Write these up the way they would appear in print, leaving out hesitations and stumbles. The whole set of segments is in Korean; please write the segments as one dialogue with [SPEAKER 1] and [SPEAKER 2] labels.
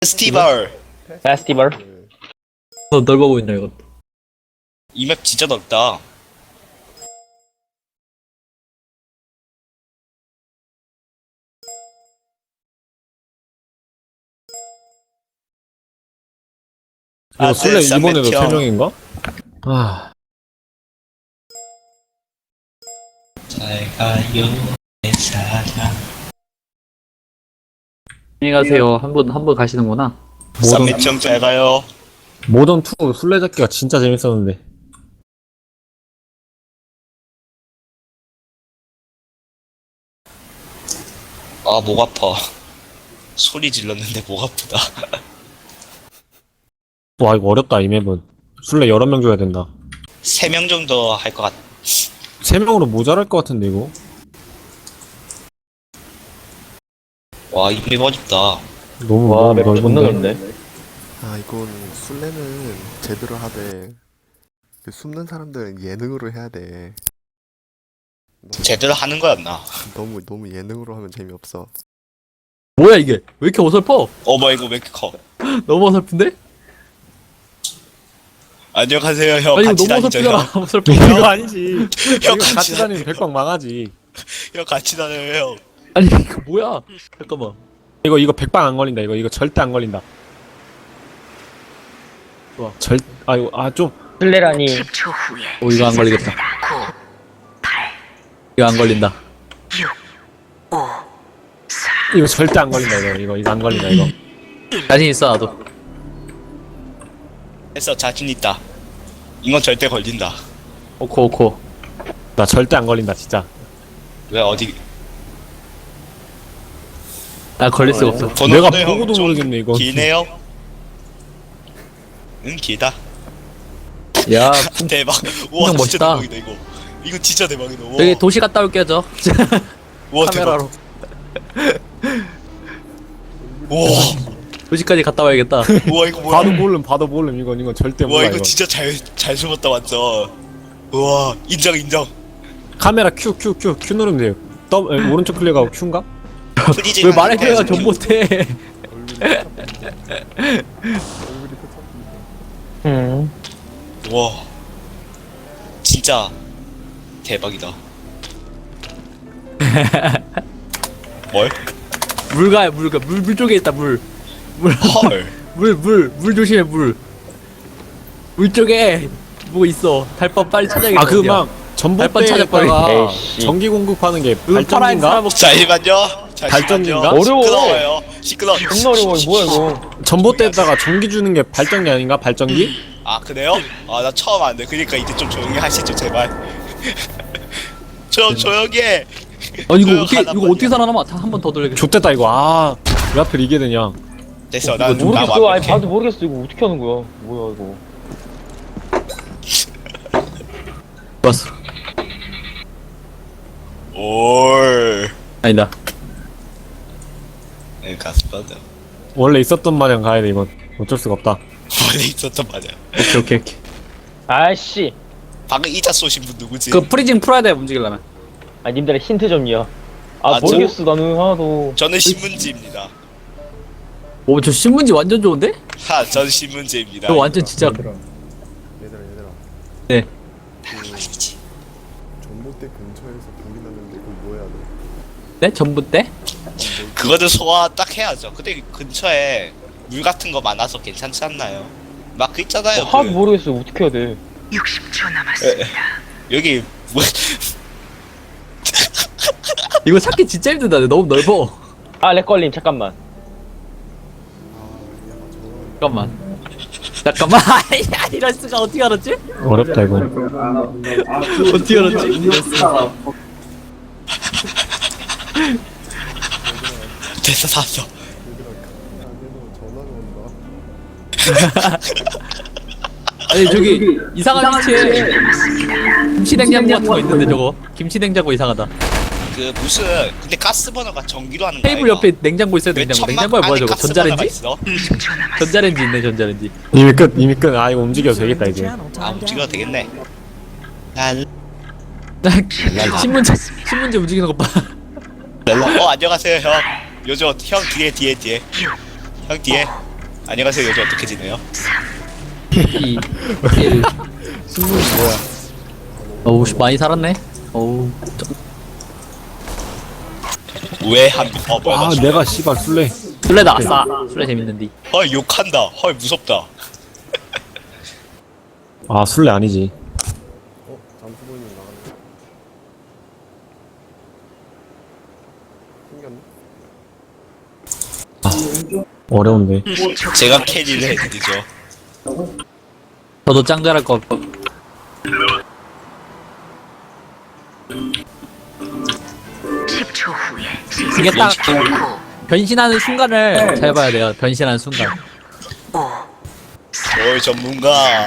[SPEAKER 1] 페스티벌.
[SPEAKER 2] 페스티벌?
[SPEAKER 3] 너 넓어 보인다 이것도.
[SPEAKER 1] 이 맵 진짜 넓다.
[SPEAKER 4] 이거 술래 이번에도
[SPEAKER 1] 쌈매형.
[SPEAKER 4] 3명인가? 아,
[SPEAKER 1] 잘 가요 내 사랑.
[SPEAKER 3] 안녕히 가세요. 한 번 가시는구나.
[SPEAKER 1] 쌈매형 잘 가요.
[SPEAKER 4] 모던2 술래잡기가 진짜 재밌었는데.
[SPEAKER 1] 아, 목 아파. 소리 질렀는데 목 아프다.
[SPEAKER 4] 와, 이거 어렵다, 이 맵은. 술래 여러 명 줘야 된다.
[SPEAKER 1] 3명 정도 할 것 같.
[SPEAKER 4] 3명으로 모자랄 것 같은데, 이거?
[SPEAKER 1] 와, 이 맵 어렵다.
[SPEAKER 4] 너무
[SPEAKER 2] 와, 맵 존나
[SPEAKER 4] 넓은데.
[SPEAKER 2] 넓네.
[SPEAKER 5] 아 이건 술래는 제대로 하되 그 숨는 사람들은 예능으로 해야 돼.
[SPEAKER 1] 제대로 하는 거였나?
[SPEAKER 5] 너무 예능으로 하면 재미없어.
[SPEAKER 3] 뭐야 이게? 왜 이렇게 어설퍼?
[SPEAKER 1] 어머, 이거 왜 이렇게 커?
[SPEAKER 3] 너무 어설픈데?
[SPEAKER 1] 안녕하세요, 형.
[SPEAKER 3] 아니 이거
[SPEAKER 1] 같이
[SPEAKER 3] 너무
[SPEAKER 1] 다니죠,
[SPEAKER 3] 어설프잖아.
[SPEAKER 1] 형.
[SPEAKER 3] 어설퍼.
[SPEAKER 4] 이거 아니지.
[SPEAKER 1] 형
[SPEAKER 4] 이거
[SPEAKER 1] 같이
[SPEAKER 4] 같이 다니면 백방 망하지.
[SPEAKER 1] 형 같이 다녀요, 형.
[SPEAKER 3] 아니 이거 뭐야? 잠깐만.
[SPEAKER 4] 이거 백방 안 걸린다, 이거 절대 안 걸린다.
[SPEAKER 3] 좋아.
[SPEAKER 4] 좀.
[SPEAKER 2] 술래라니.
[SPEAKER 3] 오 이거 안 걸리겠다. 이거 안 걸린다.
[SPEAKER 4] 이거 절대 안 걸린다, 이거 안 걸린다, 이거.
[SPEAKER 3] 자신 있어 나도.
[SPEAKER 1] 했어, 자신 있다. 이건 절대 걸린다.
[SPEAKER 3] 오코.
[SPEAKER 4] 나 절대 안 걸린다, 진짜.
[SPEAKER 1] 왜 어디?
[SPEAKER 3] 나 걸릴 수가 없어.
[SPEAKER 4] 내가
[SPEAKER 1] 번호도 형
[SPEAKER 4] 보고도
[SPEAKER 1] 좀
[SPEAKER 4] 모르겠네, 이거.
[SPEAKER 1] 기네요. 응, 길다.
[SPEAKER 3] 야
[SPEAKER 1] 대박. 우와,
[SPEAKER 3] 풍경
[SPEAKER 1] 진짜
[SPEAKER 3] 멋있다.
[SPEAKER 1] 대박이다 이거. 이거 진짜 대박이다. 우와.
[SPEAKER 3] 여기 도시 갔다 올게요 저.
[SPEAKER 1] 우와,
[SPEAKER 3] 카메라로.
[SPEAKER 1] 대박. 우와,
[SPEAKER 3] 도시까지 갔다 와야겠다.
[SPEAKER 1] 우와 이거 뭐야?
[SPEAKER 4] 봐도 모름, 이건 절대
[SPEAKER 1] 우와
[SPEAKER 4] 몰라,
[SPEAKER 1] 이거
[SPEAKER 4] 이거.
[SPEAKER 1] 진짜 잘 숨었다 완전. 우와, 인정.
[SPEAKER 4] 카메라 Q 누르면 돼요. 오른쪽 클릭하고 Q인가?
[SPEAKER 1] 프리징
[SPEAKER 3] 왜 말해줘야 전 못해.
[SPEAKER 1] 우와, 진짜 대박이다. 뭘?
[SPEAKER 3] 물 가요 물 가. 물 쪽에 있다 물.
[SPEAKER 1] 헐.
[SPEAKER 3] 물 조심해 물. 물 쪽에 뭐 있어. 달밤 빨리 찾아야겠다.
[SPEAKER 4] 그
[SPEAKER 3] 어디야.
[SPEAKER 4] 막
[SPEAKER 3] 달밤 찾아버려.
[SPEAKER 4] 전봇대에다가
[SPEAKER 2] 에이씨.
[SPEAKER 4] 전기 공급하는 게
[SPEAKER 3] 이거 파라인
[SPEAKER 4] 발전기인가?
[SPEAKER 3] 사람
[SPEAKER 1] 잠시만요.
[SPEAKER 4] 발전기인가?
[SPEAKER 2] 어려워.
[SPEAKER 1] 시끄러워요.
[SPEAKER 2] 존나 어려워. 뭐야 이거.
[SPEAKER 4] 전봇대에다가 전기 주는 게 발전기 아닌가? 발전기?
[SPEAKER 1] 아, 그래요? 아, 나 처음 안돼. 그러니까 이제 좀 조용히 하시죠, 제발. 좀 조용히 해.
[SPEAKER 3] 아니
[SPEAKER 1] 조용하단
[SPEAKER 3] 이거 어떻게 살아남아? 한 번 더 돌려야겠다.
[SPEAKER 4] 좆됐다 이거. 왜 하필 이게 되냐?
[SPEAKER 1] 됐어, 나
[SPEAKER 2] 모르겠어. 아니
[SPEAKER 1] 완벽해.
[SPEAKER 2] 봐도 모르겠어. 이거 어떻게 하는 거야? 뭐야 이거.
[SPEAKER 3] 좋았어.
[SPEAKER 1] 올.
[SPEAKER 3] 아니다.
[SPEAKER 1] 네, 가스바드.
[SPEAKER 4] 원래 있었던 마냥 가야 돼 이건. 어쩔 수가 없다.
[SPEAKER 1] 원래 있었던 맞아.
[SPEAKER 3] 오케이.
[SPEAKER 2] 아씨.
[SPEAKER 1] 방금 이자 쏘신 분 누구지?
[SPEAKER 3] 그 프리징 풀어야 돼 움직이려면.
[SPEAKER 2] 아 님들의 힌트 좀요. 아,
[SPEAKER 1] 아,
[SPEAKER 2] 모르겠어. 나는 하나도.
[SPEAKER 1] 저는 신문지입니다.
[SPEAKER 3] 오 저 신문지 완전 좋은데?
[SPEAKER 1] 전 신문지입니다.
[SPEAKER 3] 저 완전 진짜.
[SPEAKER 5] 얘들아.
[SPEAKER 3] 네.
[SPEAKER 1] 아니지.
[SPEAKER 5] 전봇대 근처에서 불이 났는데 그거 뭐야 너?
[SPEAKER 3] 네 전부 때?
[SPEAKER 1] 그거는 소화 딱 해야죠. 근데 근처에 물 같은 거 많아서 괜찮지 않나요? 막 그 있잖아요.
[SPEAKER 2] 하나도 모르겠어. 어떻게 해야 돼?
[SPEAKER 6] 60초 남았습니다.
[SPEAKER 1] 여기 뭐
[SPEAKER 3] 이거 찾기 진짜 힘들다. 너무 넓어.
[SPEAKER 2] 아, 렉 걸림. 잠깐만.
[SPEAKER 3] 잠깐만. 야 이럴 수가 어떻게 알았지?
[SPEAKER 4] 어렵다 이거.
[SPEAKER 3] 어떻게 알았지?
[SPEAKER 1] 됐어 샀어.
[SPEAKER 5] 전화가 온다.
[SPEAKER 3] 아니 저기 이상한 위치에 김치냉장고 같은 거 있는데 저거 김치냉장고 이상하다.
[SPEAKER 1] 그 무슨 근데 가스버너가 전기로 하는 거
[SPEAKER 3] 테이블 옆에 냉장고 있어요. 냉장고야 뭐야 저거? 전자레인지?
[SPEAKER 6] 60초 남았습니다.
[SPEAKER 3] 전자레인지 있네 전자레인지.
[SPEAKER 4] 이미 끝. 이거 움직여도 되겠다 이제.
[SPEAKER 1] 아, 움직여도 되겠네. 난
[SPEAKER 3] 신문지 움직이는 것 봐.
[SPEAKER 1] 안녕하세요 형. 요즘 형 뒤에. 형 뒤에. 안녕하세요. 요즘 어떻게 지내요?
[SPEAKER 3] 2, 1.
[SPEAKER 4] 숨는 뭐야?
[SPEAKER 3] 어우, 많이 살았네. 어우,
[SPEAKER 1] 왜 한? 뭐야?
[SPEAKER 4] 아
[SPEAKER 1] 나
[SPEAKER 4] 내가 씨발 술래.
[SPEAKER 3] 술래다, 아싸. 술래 재밌는데.
[SPEAKER 1] 헐 욕한다. 헐 무섭다.
[SPEAKER 4] 아 술래 아니지.
[SPEAKER 5] 잠수보이는 나갔네. 생겼네?
[SPEAKER 4] 어려운데.
[SPEAKER 1] 제가 캐리를 해드리죠.
[SPEAKER 3] 저도 짱 잘할 것 같고.
[SPEAKER 6] 10초 후에
[SPEAKER 3] 이게 딱
[SPEAKER 6] 시작. 9,
[SPEAKER 3] 변신하는 순간을 잘 봐야 돼요. 변신하는 순간.
[SPEAKER 6] 5,
[SPEAKER 1] 어이 전문가.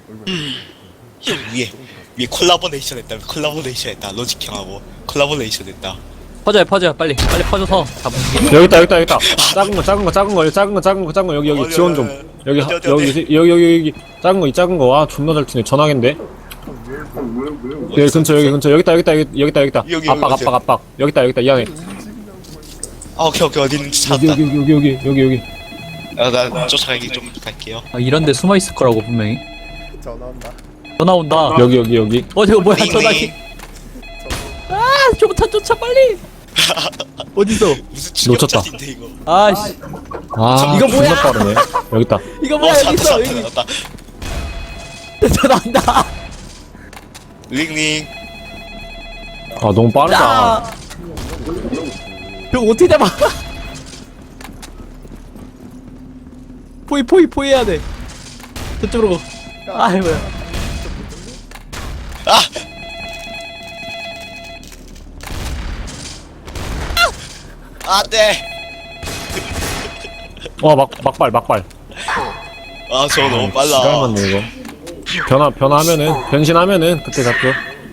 [SPEAKER 1] 위에 콜라보레이션 했다. 콜라보레이션 했다. 로직 형하고 콜라보레이션 했다.
[SPEAKER 3] 퍼져요. 빨리 퍼져서 잡으시게.
[SPEAKER 4] 여기 있다. 작은 거 여기 지원 좀. 여기 작은 거 와 존나 잘 튀네. 전화기인데. 여기 근처 여기 있다.
[SPEAKER 1] 여기,
[SPEAKER 4] 압박. 여기 있다. 이 안에.
[SPEAKER 1] 아 오케이 어디 있는지 찾았다.
[SPEAKER 4] 여기.
[SPEAKER 1] 나 쫓아가기 좀 갈게요.
[SPEAKER 3] 아, 이런데 숨어 있을 거라고 분명히.
[SPEAKER 5] 전화온다.
[SPEAKER 3] 전화 온다.
[SPEAKER 4] 여기.
[SPEAKER 3] 저거 뭐야
[SPEAKER 1] 띵,
[SPEAKER 3] 전화기. 아, 쫓아 빨리. 어디서?
[SPEAKER 1] 무슨
[SPEAKER 4] 놓쳤다.
[SPEAKER 1] 충격자인데 이거.
[SPEAKER 3] 아씨,
[SPEAKER 4] 아
[SPEAKER 3] 이거 뭐야?
[SPEAKER 4] 존나 빠르네. 여기 있다.
[SPEAKER 3] 이거 뭐야 여기 있어. 여기
[SPEAKER 1] 나왔다.
[SPEAKER 3] 전화 온다.
[SPEAKER 1] 링링.
[SPEAKER 4] 아 너무 빠르다.
[SPEAKER 3] 아, 저거 어떻게 잡아? 포이 해야 돼. 저쪽으로. 아이 뭐야.
[SPEAKER 1] 아! 안돼.
[SPEAKER 4] 와 막발.
[SPEAKER 1] 아 저거 너무
[SPEAKER 4] 시간
[SPEAKER 1] 빨라.
[SPEAKER 4] 맞네 이거. 변신하면은 그때 잡죠.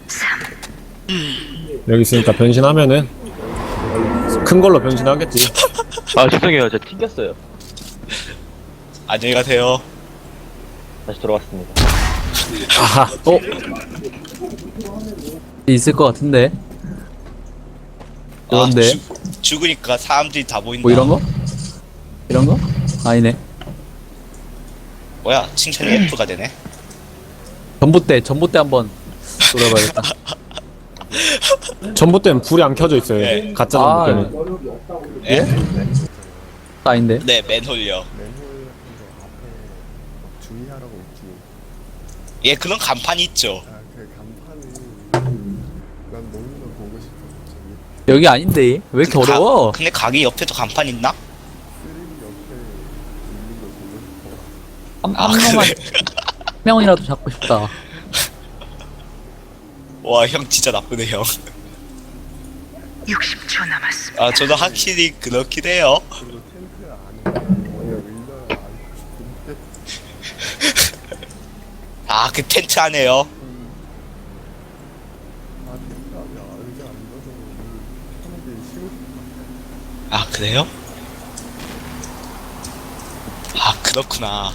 [SPEAKER 4] 여기 있으니까 변신하면은 큰 걸로 변신하겠지.
[SPEAKER 2] 아 죄송해요. 저 튕겼어요.
[SPEAKER 1] 안녕히 가세요.
[SPEAKER 2] 다시 돌아왔습니다.
[SPEAKER 4] 아하.
[SPEAKER 3] 있을 것 같은데. 그런데
[SPEAKER 1] 죽으니까 사람들이 다 보인다.
[SPEAKER 3] 뭐 이런 거? 이런 거? 아니네.
[SPEAKER 1] 뭐야 칭찬이 F가 되네.
[SPEAKER 3] 전봇대 한번 돌아봐야겠다.
[SPEAKER 4] 전봇대는 불이 안 켜져 있어요.
[SPEAKER 1] 네.
[SPEAKER 4] 가짜
[SPEAKER 3] 아,
[SPEAKER 4] 전봇대는.
[SPEAKER 1] 예?
[SPEAKER 3] 아닌데.
[SPEAKER 1] 네 맨홀요.
[SPEAKER 5] 맨홀 앞에 주의하라고 있지.
[SPEAKER 1] 예 그런 간판이 있죠.
[SPEAKER 5] 아, 그 간판을 난 너무나 보고 싶어. 저기
[SPEAKER 3] 여기 아닌데. 왜 이렇게 어려워?
[SPEAKER 1] 근데 가게 옆에도 간판 있나?
[SPEAKER 5] 쓰레기 옆에 있는 걸 보고 싶어.
[SPEAKER 3] 한
[SPEAKER 1] 아
[SPEAKER 3] 명만
[SPEAKER 1] 그래.
[SPEAKER 3] 한 명이라도 잡고 싶다.
[SPEAKER 1] 와 형 진짜 나쁘네 형.
[SPEAKER 6] 60초 남았습니다.
[SPEAKER 1] 아 저도 확실히 그렇긴 해요.
[SPEAKER 5] 그리고 텐트 안에 뭐야 의자를 안 싶은데.
[SPEAKER 1] 아 그 텐트 안에요.
[SPEAKER 5] 아 텐트 안에 의자 안 넣어서 편하게 쉬고 싶어.
[SPEAKER 1] 아 그래요? 아 그렇구나.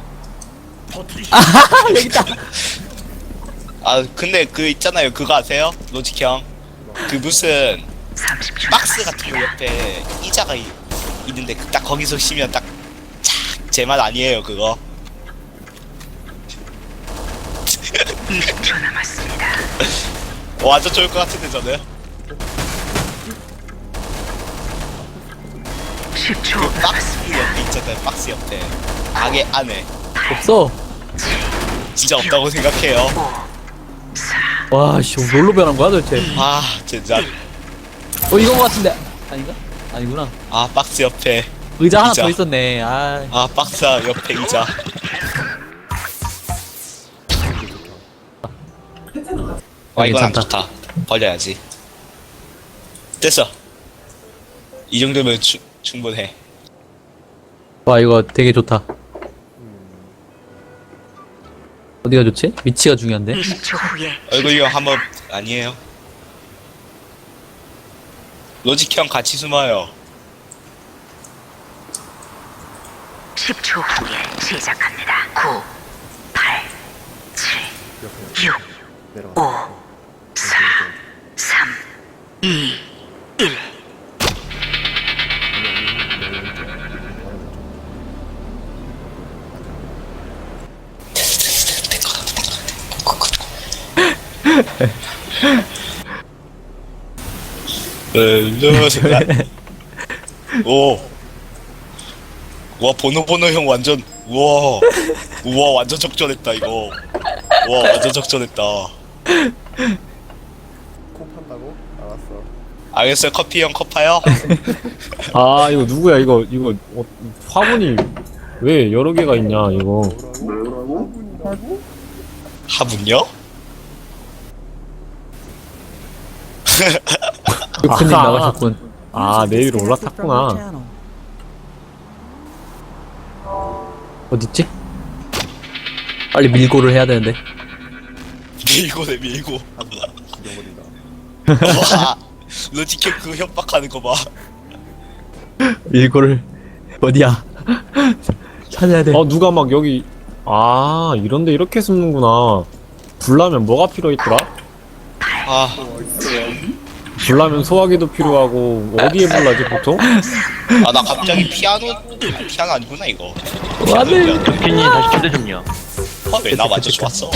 [SPEAKER 3] 여기 있다.
[SPEAKER 1] 아 근데 그 있잖아요 그거 아세요? 로직 형. 그 무슨
[SPEAKER 6] 30초
[SPEAKER 1] 박스 같은 거
[SPEAKER 6] 남았습니다.
[SPEAKER 1] 옆에 의자가 있는데 딱 거기서 쉬면 딱 제 말 아니에요 그거.
[SPEAKER 6] 20초 남았습니다.
[SPEAKER 1] 완전 좋을 것 같은데 저는.
[SPEAKER 6] 10초
[SPEAKER 1] 그 박스
[SPEAKER 6] 남았습니다.
[SPEAKER 1] 옆에 있잖아요 박스 옆에. 가게 안에.
[SPEAKER 3] 없어.
[SPEAKER 1] 진짜 없다고 생각해요.
[SPEAKER 6] 4,
[SPEAKER 3] 와, 씨, 뭘로 변한 거야 도대체?
[SPEAKER 1] 아 진짜.
[SPEAKER 3] 이거 같은데. 아닌가? 아니구나.
[SPEAKER 1] 아 박스 옆에.
[SPEAKER 3] 의자 하나
[SPEAKER 1] 의자.
[SPEAKER 3] 더 있었네. 아,
[SPEAKER 1] 아 박스 옆에 의자. 와 이건 안
[SPEAKER 3] 괜찮다.
[SPEAKER 1] 좋다. 버려야지. 됐어. 이 정도면 충분해.
[SPEAKER 3] 와 이거 되게 좋다. 어디가 좋지? 위치가 중요한데.
[SPEAKER 6] 20초 후에
[SPEAKER 1] 얼굴 형 한번 아니에요. 로직 형 같이 숨어요.
[SPEAKER 6] 10초 후에 시작합니다. 9, 8, 7, 6,
[SPEAKER 5] 내려가.
[SPEAKER 6] 5, 4, 3, 2, 1.
[SPEAKER 1] 오. 와 번호 형 완전 우와 완전 적절했다 이거. 와 완전 적절했다.
[SPEAKER 5] 코 판다고? 알았어.
[SPEAKER 1] 알겠어요 커피 형 컵파요.
[SPEAKER 4] 아 이거 누구야 이거 화분이 왜 여러 개가 있냐 이거.
[SPEAKER 1] 화분요?
[SPEAKER 3] 유크님
[SPEAKER 4] 아하.
[SPEAKER 3] 나가셨군.
[SPEAKER 4] 아 내 위로 올라탔구나.
[SPEAKER 3] 어딨지? 빨리 밀고를 해야 되는데.
[SPEAKER 1] 밀고네 밀고.
[SPEAKER 5] 죽여버린다.
[SPEAKER 1] 와 로지캡 그 협박하는 거 봐.
[SPEAKER 3] 밀고를 어디야? 찾아야 돼.
[SPEAKER 4] 누가 막 여기 이런데 이렇게 숨는구나. 불나면 뭐가 필요했더라?
[SPEAKER 1] 아
[SPEAKER 4] 불나면 소화기도 필요하고 어디에 불나지 보통?
[SPEAKER 1] 아 나 갑자기 피아노 아니구나 이거.
[SPEAKER 3] 안돼.
[SPEAKER 2] 덕균이 다시 초대 좀요.
[SPEAKER 1] 왜 나 완전 좋았어.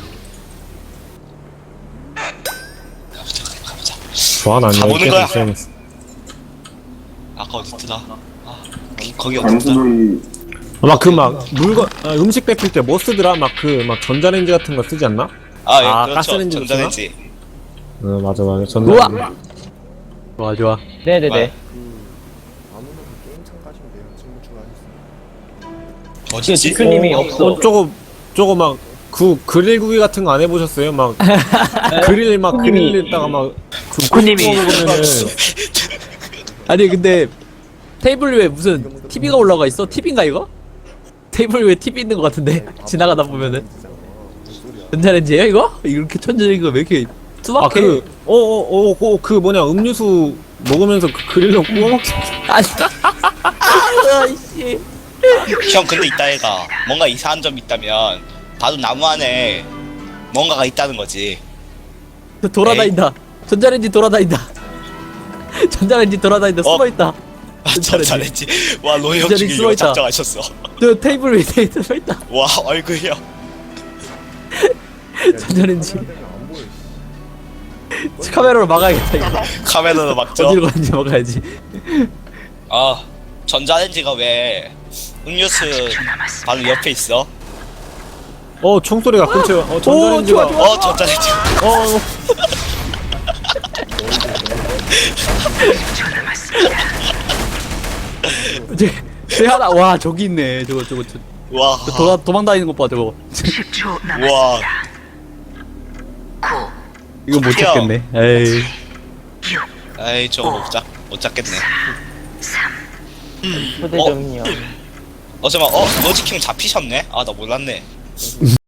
[SPEAKER 1] 가보자.
[SPEAKER 4] 좋아 난
[SPEAKER 1] 가보는
[SPEAKER 4] 여기
[SPEAKER 1] 거야.
[SPEAKER 4] 계속 있어야겠어.
[SPEAKER 1] 아까 어딨더라? 아 거기 어딨더라?
[SPEAKER 4] 막 그 막 물건 음식 데필 때 뭐 쓰더라? 막 전자레인지 같은 거 쓰지 않나?
[SPEAKER 1] 아 예
[SPEAKER 4] 아,
[SPEAKER 1] 그렇죠.
[SPEAKER 4] 가스레인지도
[SPEAKER 1] 전자레인지.
[SPEAKER 4] 맞아
[SPEAKER 3] 우와.
[SPEAKER 4] 전자레인지.
[SPEAKER 3] 좋아 좋아.
[SPEAKER 2] 네네네.
[SPEAKER 1] 아,
[SPEAKER 5] 안 오면 그 게임 참가하시면 돼요. 친구 추가했어.
[SPEAKER 1] 어딨지?
[SPEAKER 2] 덕균님이 없어.
[SPEAKER 4] 저거 막 그릴 구이 같은 거 안 해보셨어요? 막 그릴에다가 막
[SPEAKER 2] 덕균님이
[SPEAKER 4] 먹으면은
[SPEAKER 3] 아니 근데 테이블 위에 무슨 TV가 올라가 있어? TV인가 이거? 테이블 위에 TV 있는 것 같은데 지나가다 보면은 전자레인지예요 이거? 이렇게 천재적인 거 왜 이렇게 투박해?
[SPEAKER 4] 그 뭐냐 음료수 먹으면서 그 그릴로 구워 먹기.
[SPEAKER 3] 아이씨.
[SPEAKER 1] 형 근데 이따 얘가 뭔가 이상한 점이 있다면 바로 나무 안에 뭔가가 있다는 거지.
[SPEAKER 3] 돌아다닌다. 전자레인지 돌아다닌다. 전자레인지 돌아다닌다. 숨어있다.
[SPEAKER 1] 전자레인지. 와 로이 형
[SPEAKER 3] 전자레인지
[SPEAKER 1] 지금 이거
[SPEAKER 3] 숨어있다.
[SPEAKER 1] 작정하셨어.
[SPEAKER 3] 저 테이블 위에 숨어있다.
[SPEAKER 1] 와 얼굴이요.
[SPEAKER 3] 전자레인지.
[SPEAKER 5] 안 보여.
[SPEAKER 3] 카메라로 막아야겠다 이거.
[SPEAKER 1] 카메라로 막죠.
[SPEAKER 3] 어디로 가는지 막아야지.
[SPEAKER 1] 아 전자레인지가 왜 음료수 바로 옆에 있어?
[SPEAKER 4] 총소리가 근처에 전자레인지가
[SPEAKER 3] 좋아.
[SPEAKER 1] 전자레인지.
[SPEAKER 3] 쟤 하나 와 저기 있네. 저거
[SPEAKER 1] 와.
[SPEAKER 3] 도망 다니는 것 봐 저거.
[SPEAKER 6] 10초
[SPEAKER 1] 와.
[SPEAKER 6] 남았습니다. 9,
[SPEAKER 3] 이거 못 찾겠네. 에이.
[SPEAKER 6] 6,
[SPEAKER 1] 에이 저거 못 잡겠네.
[SPEAKER 6] 3,
[SPEAKER 2] 초대 좀요.
[SPEAKER 1] 잠깐만 로지킹 잡히셨네? 아 나 몰랐네.